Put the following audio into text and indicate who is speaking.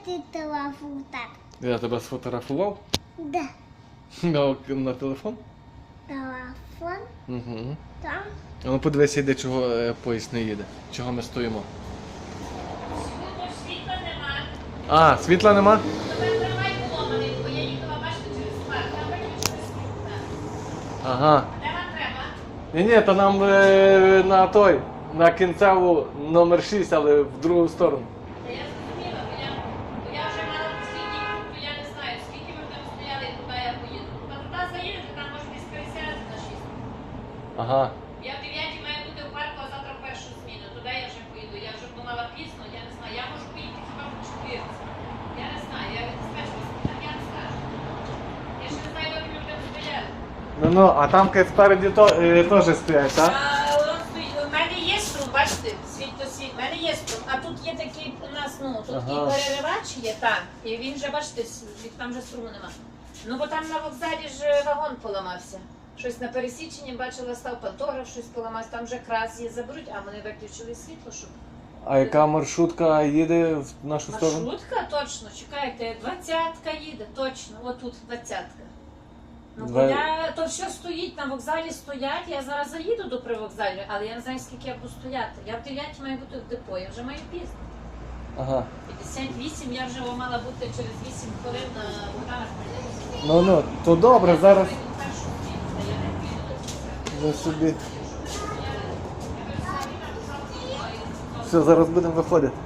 Speaker 1: ти телефон так?
Speaker 2: Я тебе сфотографував?
Speaker 1: Да.
Speaker 2: На телефон?
Speaker 1: Телефон
Speaker 2: Угу.
Speaker 1: там.
Speaker 2: Ну подивися, йде, чого поїзд не їде. Чого ми стоїмо.
Speaker 3: Світла нема.
Speaker 2: А, світла нема?
Speaker 3: Тебе трамвай поломаний, бо я їхала, бачите, через парк. Там бачите, через світла.
Speaker 2: Ага.
Speaker 3: Де вам треба?
Speaker 2: Ні, то нам на той, на кінцеву номер 6, але в другу сторону.
Speaker 3: Та я зрозуміла, бо я вже мала послідній круг, то я не знаю, скільки ми там стояли, і куди я поїду. Та туди заїдете, там може десь пересядати на 6.
Speaker 2: Ага.
Speaker 3: Я в 9 маю бути в парку, а завтра в першу зміну. Туди я вже поїду. Я вже думала пізно, я не знаю. Я можу поїхати хіба по 4. Я не знаю, я від диспетчера так я не скажу. Я ще не знаю, доки ми будемо стояти.
Speaker 2: Ну, а там спереді теж стоять, так?
Speaker 3: У мене є струм, бачите, світ до світ, у мене є струм, а тут є такий у нас, ну, тут
Speaker 2: Ага.
Speaker 3: і переривач є, так, і він вже, бачите, там вже струму нема. Ну, бо там на вокзалі ж вагон поламався. Щось на пересіченні, бачила, став пантограф, щось поламався, там вже крас є, заберуть, а вони виключили світло, щоб...
Speaker 2: А яка маршрутка їде в нашу сторону?
Speaker 3: Маршрутка, точно, чекайте, 20-ка їде, точно, отут 20-ка. Ну,
Speaker 2: Два-
Speaker 3: то все стоїть, на вокзалі стоять, я зараз заїду до привокзалю, але я не знаю, скільки я буду стояти. Я в 9 маю бути в депо, я вже маю пізно.
Speaker 2: Ага.
Speaker 3: 58, я вже мала бути через 8 хвилин на Богдана Хмельницького.
Speaker 2: Ну, то добре, зараз
Speaker 3: Я першу зміну, та я не піду до кінця.
Speaker 2: ви собі. Все, зараз будемо виходити.